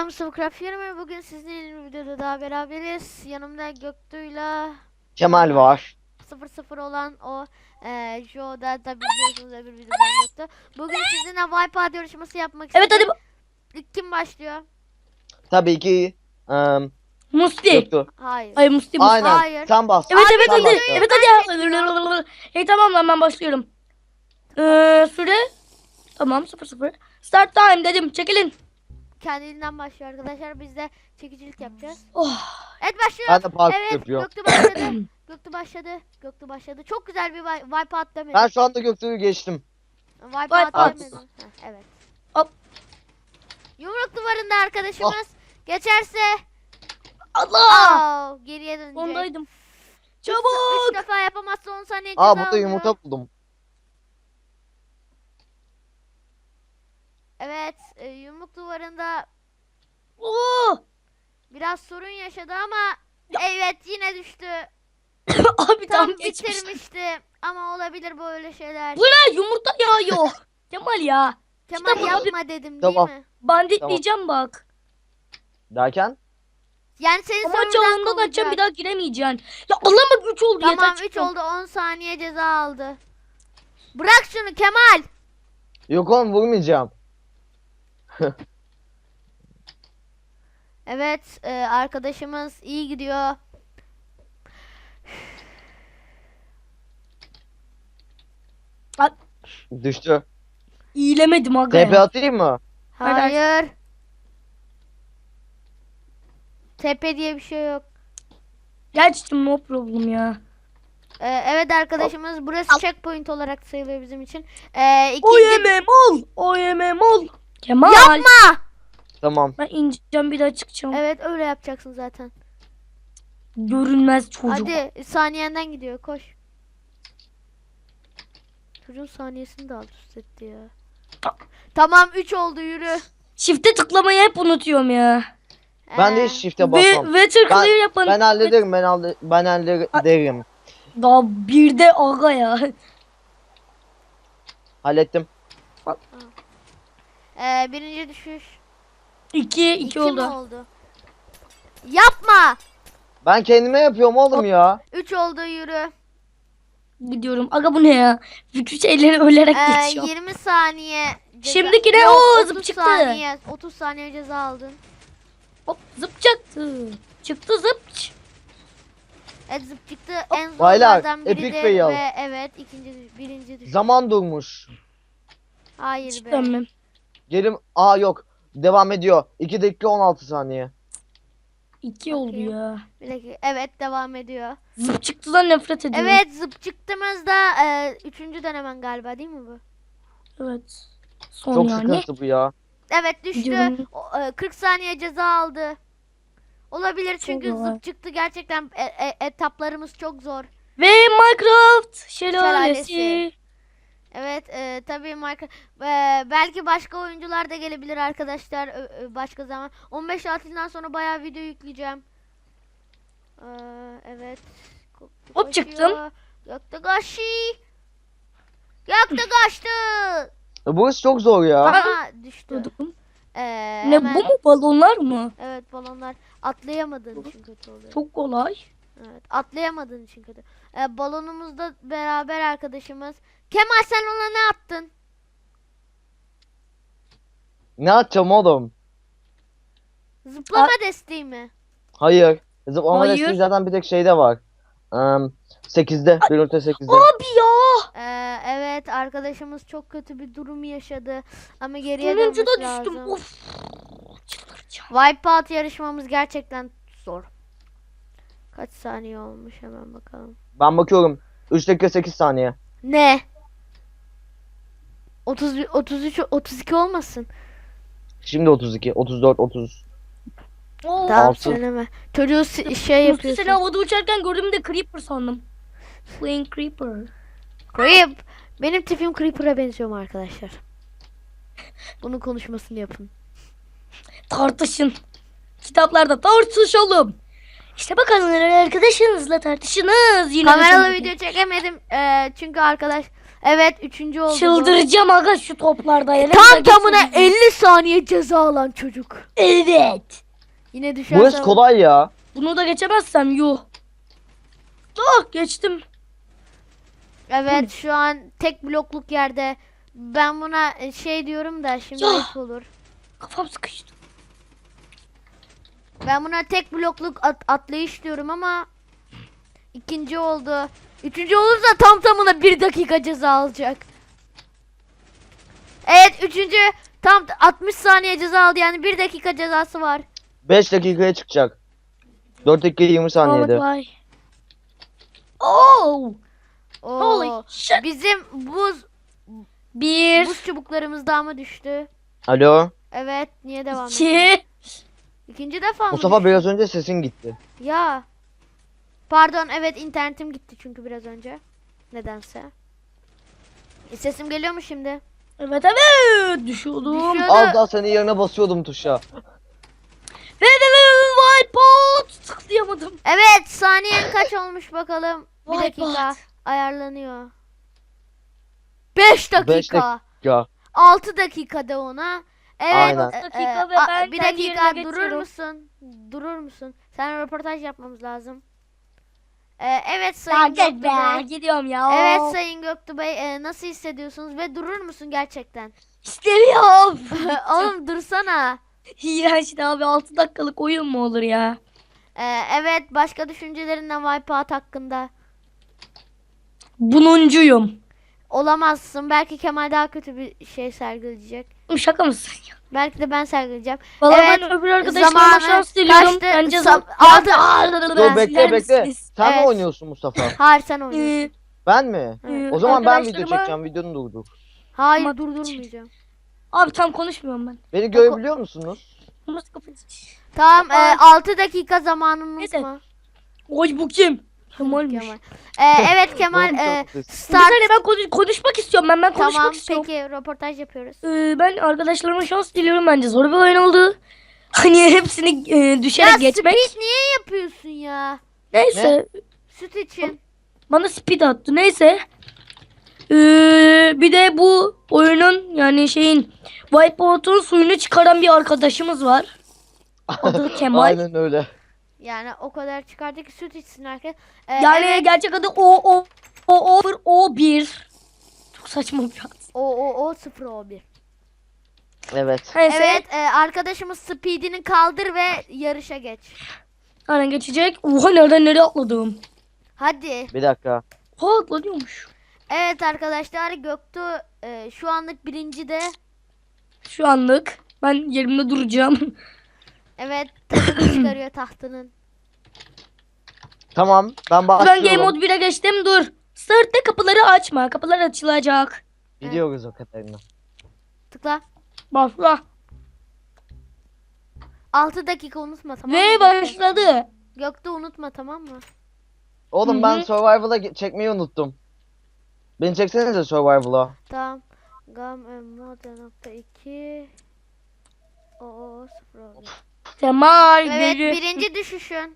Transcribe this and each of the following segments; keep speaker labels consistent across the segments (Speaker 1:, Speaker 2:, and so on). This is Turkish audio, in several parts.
Speaker 1: Mustafa Craft 20. Bugün sizinle bir videoda daha beraberiz. Yanımda Göktuğ'yla
Speaker 2: Kemal var.
Speaker 1: 0-0 olan o Joe'da da biliyorsunuz öbür videodan Göktuğ. Bugün sizinle Wipeout yarışması yapmak
Speaker 3: Evet
Speaker 1: istedim.
Speaker 3: hadi
Speaker 1: İlk kim başlıyor?
Speaker 2: Tabii ki
Speaker 3: Musti.
Speaker 2: yoktu.
Speaker 1: Hayır.
Speaker 3: Hayır Musti.
Speaker 2: Aynen.
Speaker 1: Hayır.
Speaker 2: Sen bas.
Speaker 3: Evet
Speaker 1: Abi,
Speaker 3: evet
Speaker 2: sen
Speaker 3: hadi.
Speaker 2: başla.
Speaker 3: Evet hadi. Tamam lan ben başlıyorum. Süre. Tamam 0-0. Start time dedim. Çekilin.
Speaker 1: Kendiliğinden başlıyor arkadaşlar. Biz de çekicilik yapacağız.
Speaker 3: Oh.
Speaker 1: Evet başlıyor.
Speaker 2: Ben de parkur
Speaker 1: Evet
Speaker 2: yapıyorum.
Speaker 1: Göktuğ başladı. Göktuğ başladı. Göktuğ başladı. Çok güzel bir Wipeout demedim.
Speaker 2: Ben şu anda Göktuğ'u geçtim.
Speaker 1: Wipeout
Speaker 3: Wipeout.
Speaker 1: demedim. Heh, evet.
Speaker 3: Hop.
Speaker 1: Yumruk duvarında arkadaşımız geçerse
Speaker 3: Allah.
Speaker 1: geriye dönecek.
Speaker 3: Ondaydım.
Speaker 1: 3
Speaker 3: Çabuk.
Speaker 1: defa yapamazsa 10 saniye ceza
Speaker 2: Aa burada
Speaker 1: alıyor.
Speaker 2: yumurta buldum.
Speaker 1: Evet, yumruk duvarında
Speaker 3: Oo.
Speaker 1: biraz sorun yaşadı ama evet yine düştü.
Speaker 3: Abi
Speaker 1: Tam
Speaker 3: tam geçmiş.
Speaker 1: bitirmişti ama olabilir böyle şeyler.
Speaker 3: Bu ne? Yumurta yağıyor. Kemal ya.
Speaker 1: Kemal
Speaker 3: işte bu
Speaker 1: yapma dedim
Speaker 2: Tamam.
Speaker 1: değil mi?
Speaker 3: Banditleyeceğim bak.
Speaker 2: Derken?
Speaker 1: Yani senin
Speaker 3: Ama
Speaker 1: sorundan
Speaker 3: çağında da açacağım
Speaker 1: kovacak.
Speaker 3: bir daha giremeyeceksin. Ya Allah bak 3 oldu
Speaker 1: Tamam
Speaker 3: yeter
Speaker 1: 3
Speaker 3: çıktım.
Speaker 1: oldu 10 saniye ceza aldı. Bırak şunu Kemal.
Speaker 2: Yok oğlum vurmayacağım.
Speaker 1: Evet arkadaşımız iyi gidiyor.
Speaker 2: Düştü.
Speaker 3: İyilemedim aga
Speaker 2: TP
Speaker 3: ya.
Speaker 2: atayım mı?
Speaker 1: Hayır. Tepe diye bir şey yok.
Speaker 3: Gerçekten no problem ya.
Speaker 1: Evet arkadaşımız burası checkpoint olarak sayılıyor bizim için.
Speaker 3: O
Speaker 1: İkinci...
Speaker 3: yeme mol. O yeme mol. Kemal.
Speaker 1: Yapma!
Speaker 2: Tamam.
Speaker 3: Ben ineceğim bir daha çıkacağım.
Speaker 1: Evet öyle yapacaksın zaten.
Speaker 3: Görünmez çocuk.
Speaker 1: Hadi saniyenden gidiyor koş. Çocuğun saniyesini de alt üst etti ya. Tamam 3 oldu yürü.
Speaker 3: Shift'e tıklamayı hep unutuyorum ya.
Speaker 2: Ben de
Speaker 1: Ee,
Speaker 2: hiç shift'e basmam.
Speaker 3: Ve clear yapın.
Speaker 2: Ben hallederim. Ben hallederim.
Speaker 3: Daha bir de aga ya.
Speaker 2: Hallettim.
Speaker 1: Birinci düşüş.
Speaker 3: 2
Speaker 1: 2 mi
Speaker 3: oldu.
Speaker 1: oldu? Yapma!
Speaker 2: Ben kendime yapıyorum oğlum ya.
Speaker 1: 3 oldu yürü.
Speaker 3: Gidiyorum. Aga bu ne ya? Bütün şeyleri ölerek geçiyor.
Speaker 1: 20 saniye.
Speaker 3: Şimdiki ne?
Speaker 1: Yok,
Speaker 3: Oo,
Speaker 1: 30
Speaker 3: zıp çıktı.
Speaker 1: saniye. 30 saniye ceza aldın.
Speaker 3: Hop zıp çıktı. Çıktı zıp.
Speaker 1: Evet zıp çıktı
Speaker 3: Hop.
Speaker 1: en
Speaker 2: Baylar,
Speaker 1: zorlardan
Speaker 2: epic
Speaker 1: biridir
Speaker 2: fail.
Speaker 1: ve evet birinci düşüş.
Speaker 2: Zaman durmuş.
Speaker 1: Hayır
Speaker 3: Hiç
Speaker 1: be.
Speaker 3: dönmem.
Speaker 2: Gelim. Aa yok. Devam ediyor. 2 dakika 16 saniye.
Speaker 3: 2 oldu
Speaker 1: Bakayım.
Speaker 3: ya.
Speaker 1: Bir dakika. Evet devam ediyor.
Speaker 3: Zıp çıktıdan nefret ediyorum.
Speaker 1: Evet zıp çıktığımızda 3. denemen galiba değil mi bu?
Speaker 3: Evet. Son
Speaker 2: Çok
Speaker 3: yani.
Speaker 2: sıkıntı bu ya.
Speaker 1: Evet düştü.
Speaker 3: Gidiyorum.
Speaker 1: 40 saniye ceza aldı. Olabilir çünkü
Speaker 3: Çok zor.
Speaker 1: zıp çıktı gerçekten etaplarımız çok zor.
Speaker 3: Ve Minecraft
Speaker 1: Şelalesi.
Speaker 3: şelalesi.
Speaker 1: Evet tabii belki başka oyuncular da gelebilir arkadaşlar başka zaman. 15 tatilden sonra bayağı video yükleyeceğim. Evet.
Speaker 3: Hop çıktım.
Speaker 1: Gökte kaçtı. Gökte kaçtı.
Speaker 2: Burası çok zor ya.
Speaker 1: Aha düştü.
Speaker 3: Durdum.
Speaker 1: Hemen-
Speaker 3: Ne bu mu? Balonlar mı?
Speaker 1: Evet balonlar atlayamadığın için kötü oluyor.
Speaker 3: Çok kolay.
Speaker 1: Evet atlayamadığın için kötü. Balonumuzda beraber arkadaşımız. Kemal sen ona ne attın?
Speaker 2: Ne atacağım oğlum?
Speaker 1: Zıplama desteği mi?
Speaker 2: Hayır. Zıplama
Speaker 3: Hayır.
Speaker 2: desteği zaten bir tek şeyde var. 8'de. 1.8'de.
Speaker 3: Abi ya.
Speaker 1: Evet arkadaşımız çok kötü bir durum yaşadı ama geriye
Speaker 3: Sonuncu
Speaker 1: dönmesi
Speaker 3: da düştüm.
Speaker 1: lazım.
Speaker 3: Of. Çıldıracağım.
Speaker 1: Wipeout yarışmamız gerçekten zor. Kaç saniye olmuş hemen bakalım.
Speaker 2: Ben bakıyorum. 3 dakika 8 saniye.
Speaker 1: Ne? 31, 33, 32 olmasın.
Speaker 2: Şimdi 32, 34, 30.
Speaker 3: Oo.
Speaker 1: Tamam
Speaker 2: Altı.
Speaker 1: söyleme. Çocuğu şey
Speaker 3: Musti
Speaker 1: yapıyorsun.
Speaker 3: seni havada uçarken gördüğümde Creeper sandım. Flying Creeper.
Speaker 1: Creep. Benim tipim Creeper'a benziyor mu arkadaşlar? Bunun konuşmasını yapın.
Speaker 3: Tartışın. Kitaplarda tartışalım. İşte bakalım arkadaşınızla tartışınız. Yine
Speaker 1: Kameralı
Speaker 3: hoşuma
Speaker 1: video çekemedim çünkü Evet 3. oldu. bu.
Speaker 3: Çıldıracağım aga şu toplarda.
Speaker 1: Tam tamına 50 saniye ceza alan çocuk.
Speaker 3: Evet.
Speaker 1: Yine düşerse.
Speaker 2: Burası kolay ya.
Speaker 3: Bunu da geçemezsem yuh. Oh geçtim.
Speaker 1: Evet şu an tek blokluk yerde. Ben buna şey diyorum da şimdi
Speaker 3: Ya.
Speaker 1: ayıp olur.
Speaker 3: Kafam sıkıştı.
Speaker 1: Ben buna tek blokluk atlayış diyorum ama 2. oldu. 3. olursa tam tamına 1 dakika ceza alacak. Evet 3. tam 60 saniye ceza aldı yani 1 dakika cezası var.
Speaker 2: 5 dakikaya çıkacak. 4 dakika 20 saniyede.
Speaker 3: Ahmet vay. Oh.
Speaker 1: Oo,
Speaker 3: Holy shit.
Speaker 1: bizim buz
Speaker 3: Bir.
Speaker 1: çubuklarımız daha mı düştü?
Speaker 2: Alo.
Speaker 1: Evet niye devam ediyor?
Speaker 3: 2.
Speaker 1: İkinci defa mı
Speaker 2: Mustafa
Speaker 1: düştü?
Speaker 2: biraz önce sesin gitti.
Speaker 1: Ya. Pardon evet internetim gitti çünkü biraz önce. Nedense. Sesim geliyor mu şimdi?
Speaker 3: Evet evet. Düşüyordum.
Speaker 1: Düşüyor.
Speaker 2: Az daha senin yerine basıyordum tuşa.
Speaker 3: Ve wipeout. Tıklayamadım.
Speaker 1: Evet saniyen kaç olmuş bakalım. Bir
Speaker 3: Vay
Speaker 1: dakika
Speaker 3: bot.
Speaker 1: ayarlanıyor. 5 dakika.
Speaker 2: 5 dakika.
Speaker 1: 6 dakikada ona. Evet.
Speaker 2: Aynen.
Speaker 3: 6 dakika ve ben
Speaker 1: bir
Speaker 3: kendi
Speaker 1: dakika
Speaker 3: yerime
Speaker 1: durur
Speaker 3: geçiyorum.
Speaker 1: musun? Durur musun? Sen röportaj yapmamız lazım. Evet Sayın
Speaker 3: Gel
Speaker 1: Göktuğ
Speaker 3: be.
Speaker 1: Bey.
Speaker 3: Gidiyorum ya.
Speaker 1: Evet Sayın Göktuğ Bey nasıl hissediyorsunuz ve durur musun gerçekten?
Speaker 3: İstemiyorum.
Speaker 1: Oğlum dursana.
Speaker 3: İğrenç abi 6 dakikalık oyun mu olur ya?
Speaker 1: Evet başka düşüncelerinden Wipeout hakkında.
Speaker 3: Bununcuyum.
Speaker 1: Olamazsın. Belki Kemal daha kötü bir şey sergileyecek.
Speaker 3: Şaka mısın ya?
Speaker 1: Belki de ben sergileyeceğim.
Speaker 3: Vallahi
Speaker 1: Evet,
Speaker 3: ben öbür arkadaşlarıma
Speaker 1: zamanı
Speaker 3: şans diliyorum.
Speaker 1: kaçtı.
Speaker 3: Bence
Speaker 2: Dur bekle bekle. Sen mi
Speaker 1: Evet.
Speaker 2: oynuyorsun Mustafa?
Speaker 1: Hayır sen oynuyorsun.
Speaker 2: Ben mi?
Speaker 1: Evet.
Speaker 2: O zaman ben video
Speaker 3: Arkadaşlarıma-
Speaker 2: çekeceğim. Videonu durdur.
Speaker 1: Hayır
Speaker 3: Ama-
Speaker 1: durdurmayacağım.
Speaker 3: Abi tam konuşmuyorum ben.
Speaker 2: Beni görebiliyor musunuz?
Speaker 3: Nasıl kafayı?
Speaker 1: Tamam
Speaker 3: Aa.
Speaker 1: 6 dakika zamanını
Speaker 3: Neyse.
Speaker 1: unutma.
Speaker 3: Oy bu kim? Kemal'miş.
Speaker 1: Kemal. Evet Kemal
Speaker 2: Doğru söylüyorsun.
Speaker 3: Bir
Speaker 1: start.
Speaker 3: saniye ben konuşmak istiyorum ben konuşmak
Speaker 1: Tamam
Speaker 3: istiyorum.
Speaker 1: peki röportaj yapıyoruz.
Speaker 3: Ben arkadaşlarıma şans diliyorum bence zor bir oyun oldu. Hani hepsini düşerek
Speaker 1: Ya
Speaker 3: geçmek.
Speaker 1: speed niye yapıyorsun ya?
Speaker 3: Neyse
Speaker 1: Süt için.
Speaker 3: bana speed attı neyse. Bir de bu oyunun yani şeyin Wipeout'un suyunu çıkaran bir arkadaşımız var. Adı Kemal.
Speaker 2: Aynen öyle.
Speaker 1: Yani o kadar çıkardı ki süt içsin herkes.
Speaker 3: Yani
Speaker 1: Evet.
Speaker 3: gerçek adı O1. Çok saçma bir ad.
Speaker 1: O 0
Speaker 2: Evet.
Speaker 3: Neyse.
Speaker 1: Evet arkadaşımız speedini kaldır ve yarışa geç.
Speaker 3: Aynen geçecek. Oha nereden nereye atladım.
Speaker 1: Hadi.
Speaker 2: Bir dakika.
Speaker 3: Oha atlanıyormuş.
Speaker 1: Evet arkadaşlar Göktuğ şu anlık birinci de.
Speaker 3: Şu anlık ben yerimde duracağım.
Speaker 1: Evet tahtını çıkarıyor tahtının.
Speaker 2: Tamam. Ben
Speaker 3: Ben Game
Speaker 2: başlıyorum.
Speaker 3: Mode 1'e geçtim dur. Start'ta kapıları açma. Kapılar açılacak.
Speaker 2: Biliyoruz o kadarını.
Speaker 1: Tıkla.
Speaker 3: Başla.
Speaker 1: 6 dakika unutma tamam
Speaker 3: Ve
Speaker 1: mı?
Speaker 3: başladı.
Speaker 1: Göktuğ unutma tamam mı?
Speaker 2: Oğlum
Speaker 3: Hı
Speaker 2: ben
Speaker 3: hı.
Speaker 2: Survival'a çekmeyi unuttum. Beni çeksenize Survival'a.
Speaker 1: Tamam. Gam.2 O 0
Speaker 3: Kemal
Speaker 1: Evet
Speaker 3: biri.
Speaker 1: birinci düşüşün.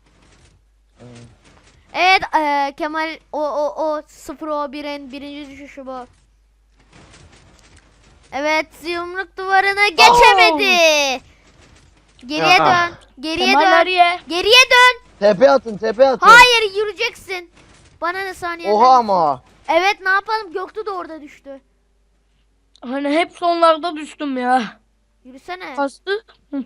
Speaker 1: Evet Kemal o 0-1'in birinci düşüşü bu. Evet yumruk duvarını geçemedi. Geriye
Speaker 2: Aha.
Speaker 1: dön. Geriye
Speaker 3: Kemal
Speaker 1: dön.
Speaker 3: nereye?
Speaker 1: Geriye dön.
Speaker 2: TP atın TP atın.
Speaker 1: Hayır yürüyeceksin. Bana ne saniye?
Speaker 2: Oha ama.
Speaker 1: Evet ne yapalım Göktuğ da orada düştü.
Speaker 3: Hani hep sonlarda düştüm ya.
Speaker 1: Yürüsene.
Speaker 3: Kastı. Hı.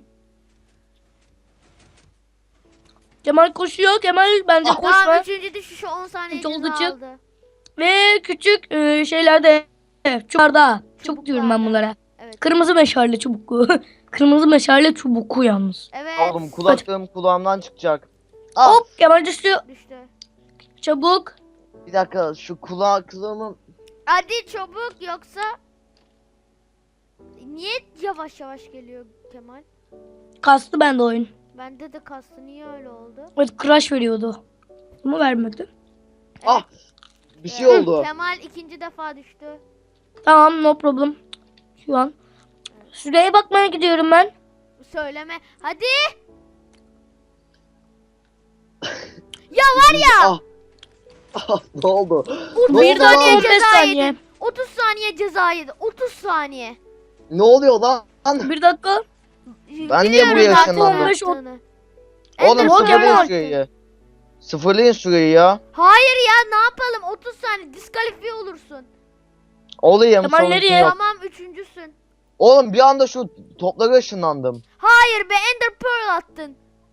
Speaker 3: Kemal koşuyor. Kemal bence koşma.
Speaker 1: Tamam üçüncü düşüşü 10 saniye
Speaker 3: Hiç oldu,
Speaker 1: ceza
Speaker 3: çık.
Speaker 1: aldı.
Speaker 3: Ve küçük şeylerde çubuklarda. Çubuk diyorum ben bunlara.
Speaker 1: Evet.
Speaker 3: Kırmızı meşale çubuklu. Kırmızı meşale çubuklu yalnız.
Speaker 1: Evet.
Speaker 2: Oğlum kulaklığım kulağımdan çıkacak. Ah,
Speaker 3: Hop Kemal düştü.
Speaker 1: Düştü.
Speaker 3: Çabuk.
Speaker 2: bir dakika şu kulaklığımı.
Speaker 1: Hadi çabuk yoksa niye yavaş yavaş geliyor Kemal?
Speaker 3: Kastı bende oyun.
Speaker 1: Bende de kastı niye öyle oldu?
Speaker 3: Evet crash veriyordu. Ama vermedi.
Speaker 2: Ah bir şey
Speaker 1: Evet,
Speaker 2: oldu.
Speaker 1: Kemal ikinci defa düştü.
Speaker 3: Tamam no problem. Şu an. Şuraya bakmaya gidiyorum ben.
Speaker 1: Söyleme. Hadi. Ya var ya.
Speaker 2: Ah, Ne oldu?
Speaker 1: Vur,
Speaker 2: Ne
Speaker 1: bir
Speaker 2: oldu
Speaker 1: saniye
Speaker 2: lan?
Speaker 3: 15
Speaker 1: ceza
Speaker 3: saniye.
Speaker 1: yedin. 30 saniye ceza yedin. 30 saniye.
Speaker 2: Ne oluyor lan?
Speaker 3: Bir dakika.
Speaker 2: Ben niye buraya
Speaker 1: zaten
Speaker 2: ışınlandım?
Speaker 1: ne yaptığını.
Speaker 2: Oğlum
Speaker 1: Ender
Speaker 3: sıfırlayın
Speaker 1: Pearl
Speaker 2: sıfırlayın
Speaker 3: Kemal.
Speaker 1: attın.
Speaker 2: süreyi. Sıfırlayın süreyi ya.
Speaker 1: Hayır ya, ne yapalım? 30 saniye diskalifiye olursun.
Speaker 2: Olayım
Speaker 3: Kemal
Speaker 2: sorun
Speaker 3: nereye?
Speaker 2: yok.
Speaker 1: Tamam, üçüncüsün.
Speaker 2: Oğlum bir anda şu toplara ışınlandım.
Speaker 1: Hayır be, Ender Pearl attın.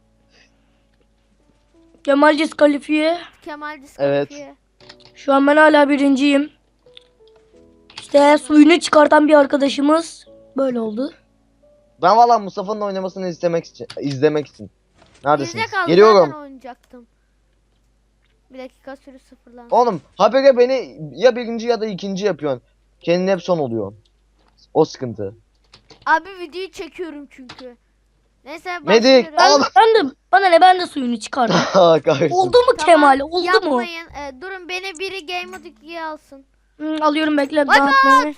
Speaker 3: Kemal diskalifiye.
Speaker 1: Kemal diskalifiye.
Speaker 3: Şu an ben hala birinciyim. İşte suyunu çıkartan bir arkadaşımız böyle oldu.
Speaker 2: Ben valla Mustafa'nın oynamasını izlemek için. Neredesiniz?
Speaker 1: Bizde kaldı,
Speaker 2: Geliyorum.
Speaker 1: zaten oynayacaktım. Bir dakika, sürü sıfırlansın.
Speaker 2: Oğlum habere beni ya birinci ya da ikinci yapıyorsun. Kendin hep son oluyor. O sıkıntı.
Speaker 1: Abi videoyu çekiyorum çünkü. Neyse
Speaker 2: Medik,
Speaker 1: başlıyorum.
Speaker 2: al.
Speaker 3: Ben de bana ne, ben de suyunu çıkardım.
Speaker 2: Kahretsin.
Speaker 3: Oldu mu
Speaker 1: Tamam,
Speaker 3: Kemal? Oldu mu?
Speaker 1: yapmayın. Durun, beni biri Game Mode 2'ye alsın.
Speaker 3: Alıyorum, bekle.
Speaker 1: Bak
Speaker 3: dağıtmayı.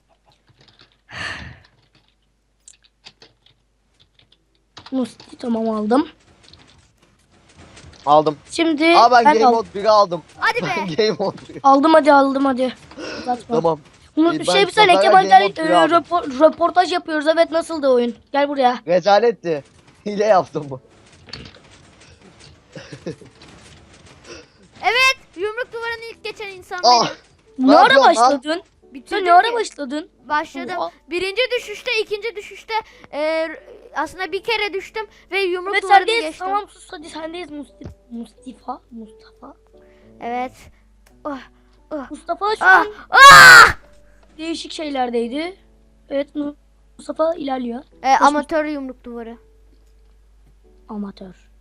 Speaker 3: Musti, tamam aldım.
Speaker 2: Aldım.
Speaker 3: Şimdi
Speaker 2: Aa ben
Speaker 3: ben
Speaker 2: Game
Speaker 3: aldım.
Speaker 2: Mode 1'i aldım.
Speaker 1: Hadi be.
Speaker 2: Ben Game Mode 1'i.
Speaker 3: Aldım, hadi. Uzatma.
Speaker 2: Tamam.
Speaker 3: Bunu
Speaker 2: Ben
Speaker 3: bir saniye
Speaker 2: Pazar'a
Speaker 3: Kemal
Speaker 2: Game
Speaker 3: gel,
Speaker 2: Mode 1'i aldım.
Speaker 3: röportaj yapıyoruz. Evet, nasıl da oyun? Gel buraya.
Speaker 2: Rezaletti. Hile yaptım bu.
Speaker 1: Evet, yumruk duvarını ilk geçen insan
Speaker 2: Ah.
Speaker 1: benim.
Speaker 3: Ne ara
Speaker 2: yapıyorsun lan?
Speaker 3: başladın?
Speaker 1: Bitirdim
Speaker 3: Sen ne ara
Speaker 1: ki.
Speaker 3: başladın?
Speaker 1: Başladım.
Speaker 3: Oha.
Speaker 1: Birinci düşüşte, ikinci düşüşte aslında bir kere düştüm ve yumruk
Speaker 3: Evet,
Speaker 1: duvarını
Speaker 3: sendeyiz.
Speaker 1: geçtim.
Speaker 3: Tamam, sus, hadi sendeyiz Mustafa.
Speaker 1: Evet. Oh,
Speaker 3: Mustafa şu
Speaker 1: ah,
Speaker 3: an
Speaker 1: ah!
Speaker 3: değişik şeylerdeydi. Evet, Mustafa ilerliyor.
Speaker 1: Amatör yumruk duvarı.
Speaker 3: Amatör.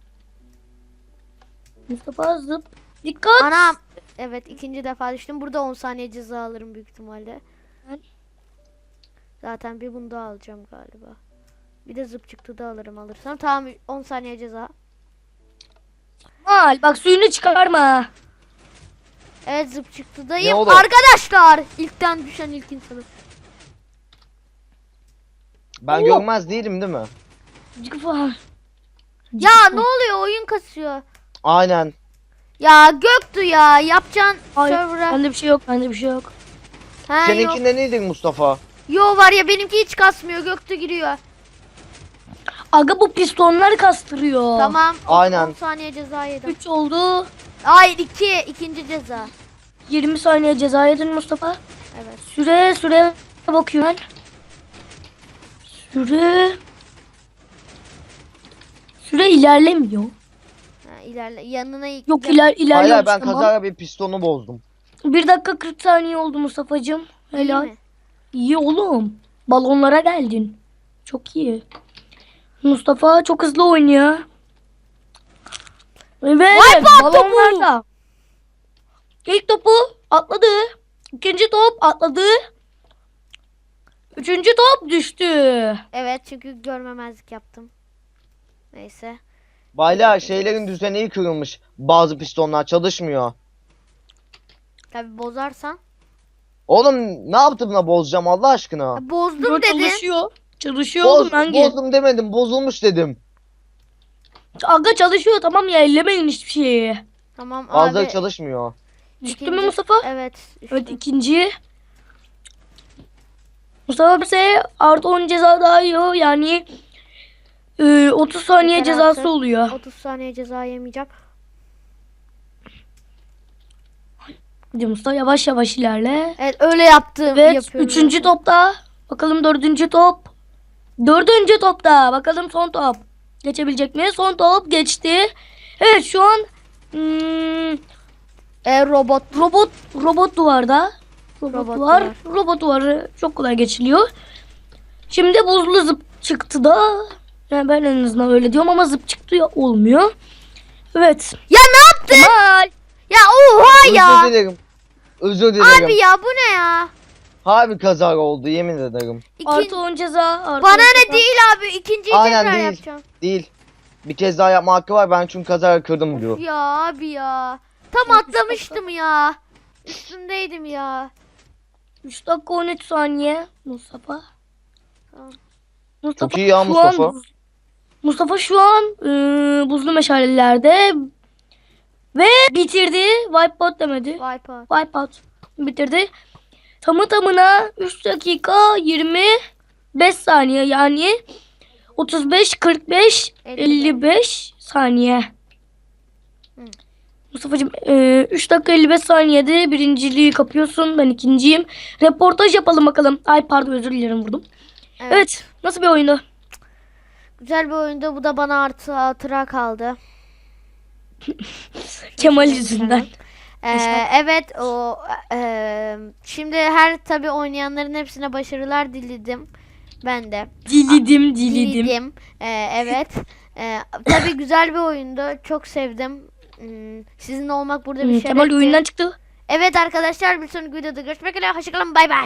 Speaker 3: Mustafa zıp. Dikkat.
Speaker 1: Anam. Evet, ikinci defa düştüm. Burada 10 saniye ceza alırım büyük ihtimalle.
Speaker 3: Ben-
Speaker 1: Zaten bir bunu daha alacağım galiba. Bir de zıp çıktı da alırım alırsam. Tamam, 10 saniye ceza.
Speaker 3: Mal, bak suyunu çıkarma.
Speaker 1: Evet, zıp çıktı
Speaker 2: Ne
Speaker 1: dayım.
Speaker 2: oldu?
Speaker 1: Arkadaşlar, ilkten düşen ilk insanı.
Speaker 2: Ben
Speaker 3: Oo.
Speaker 2: görmez değilim değil mi?
Speaker 3: Cıkfa.
Speaker 1: Ya ne oluyor, oyun kasıyor.
Speaker 2: Aynen.
Speaker 1: Ya Göktuğ ya, yapacağın
Speaker 3: Hayır,
Speaker 1: server'a.
Speaker 3: bende bir şey yok, bende bir şey yok.
Speaker 1: Ha, yok.
Speaker 2: Seninkinde neydi Mustafa?
Speaker 1: Yo var ya, benimki hiç kasmıyor, Göktuğ giriyor.
Speaker 3: Aga, bu pistonlar kastırıyor.
Speaker 1: Tamam.
Speaker 2: Aynen.
Speaker 1: 10 saniye ceza yedim.
Speaker 3: 3 oldu.
Speaker 1: Hayır, ikinci ceza.
Speaker 3: 20 saniye ceza yedin Mustafa.
Speaker 1: Evet.
Speaker 3: Süre bakıyorum ben. Süre ilerlemiyor.
Speaker 1: Ha, ilerle yanına
Speaker 3: Yok,
Speaker 2: Hayır
Speaker 3: ilerliyormuş,
Speaker 2: ben
Speaker 3: tamam.
Speaker 2: kazara bir pistonu bozdum.
Speaker 3: 1 dakika 40 saniye oldu Mustafa'cığım.
Speaker 1: İyi
Speaker 3: Helal.
Speaker 1: mi?
Speaker 3: İyi oğlum. Balonlara geldin. Çok iyi. Mustafa çok hızlı oynuyor. Evet, balonlarda. İlk topu atladı. İkinci top atladı. Üçüncü top düştü.
Speaker 1: Evet, çünkü görmemezlik yaptım. Neyse.
Speaker 2: Baylar şeylerin düzeni kırılmış. Bazı pistonlar çalışmıyor.
Speaker 1: Tabi bozarsan.
Speaker 2: Oğlum ne yaptım da bozacağım Allah aşkına?
Speaker 1: Ya, bozdum
Speaker 3: Dur,
Speaker 1: dedin.
Speaker 3: çalışıyor. Çalışıyor oğlum, hangi?
Speaker 2: Bozdum demedim, bozulmuş dedim.
Speaker 3: Aga çalışıyor, tamam ya, ellemeyin hiçbir şeyi.
Speaker 1: Tamam
Speaker 2: Bazıları
Speaker 1: abi.
Speaker 2: çalışmıyor.
Speaker 3: Düştü mü Mustafa?
Speaker 1: Evet.
Speaker 3: Evet,
Speaker 1: düştüm.
Speaker 3: ikinci. Mustafa bize artı 10 ceza daha yiyor. Yani 30 saniye
Speaker 1: Yeter
Speaker 3: cezası
Speaker 1: artık.
Speaker 3: oluyor.
Speaker 1: 30 saniye ceza yemeyeceğim.
Speaker 3: Hadi Mustafa, yavaş yavaş ilerle.
Speaker 1: Evet, öyle yaptım.
Speaker 3: Evet,
Speaker 1: Yapıyorum.
Speaker 3: üçüncü topta. Bakalım dördüncü top. Dördüncü topta. Bakalım son top. Geçebilecek mi? Son top geçti. Evet, şu an
Speaker 1: Robot.
Speaker 3: robot duvarda.
Speaker 1: Robot
Speaker 3: Duvar.
Speaker 1: duvar.
Speaker 3: Robot duvarı çok kolay geçiliyor. Şimdi buzlu zıp çıktı da. Yani ben en azından öyle diyorum ama zıp çıktı ya, olmuyor. Evet.
Speaker 1: Ya ne yaptın?
Speaker 3: Kemal.
Speaker 1: Ya oha ya.
Speaker 2: Özür dilerim. Özür dilerim.
Speaker 1: Abi ya, bu ne ya?
Speaker 2: Harbi kazara oldu yemin ederim.
Speaker 3: Artı 10 ceza. Artı
Speaker 1: Bana
Speaker 3: 10
Speaker 1: ne
Speaker 3: ceza.
Speaker 1: değil abi. İkinciyi
Speaker 2: Aynen
Speaker 1: tekrar
Speaker 2: değil.
Speaker 1: yapacağım.
Speaker 2: Değil. Bir kez daha yapma hakkı var. Ben çünkü kazara kırdım diyor.
Speaker 1: Ya abi ya. Tam
Speaker 3: Çok
Speaker 1: atlamıştım ya. Üstündeydim ya.
Speaker 3: 3 dakika 13 saniye. Mustafa.
Speaker 1: Tamam.
Speaker 3: Mustafa
Speaker 2: Çok iyi ya
Speaker 3: şu
Speaker 2: Mustafa.
Speaker 3: Mustafa şu an buzlu meşalelerde ve bitirdi. Wipeout demedi.
Speaker 1: Wipeout.
Speaker 3: Wipeout bitirdi. Tamı tamına 3 dakika 25 saniye yani 35 45 55 saniye.
Speaker 1: Hı.
Speaker 3: Mustafa'cığım 3 dakika 55 saniyede birinciliği kapıyorsun. Ben ikinciyim. Reportaj yapalım bakalım. Ay pardon, özür dilerim, vurdum. Evet. Nasıl bir oyundu?
Speaker 1: Güzel bir oyundu. Bu da bana artı hatıra kaldı.
Speaker 3: Kemal yüzünden.
Speaker 1: Evet şimdi her tabi oynayanların hepsine başarılar diledim. Ben de.
Speaker 3: Diledim.
Speaker 1: Evet. Tabi güzel bir oyundu. Çok sevdim. Sizinle olmak burada bir şerefti.
Speaker 3: Kemal oyundan çıktı.
Speaker 1: Evet arkadaşlar, bir sonraki videoda görüşmek üzere. Hoşçakalın. Bay bay.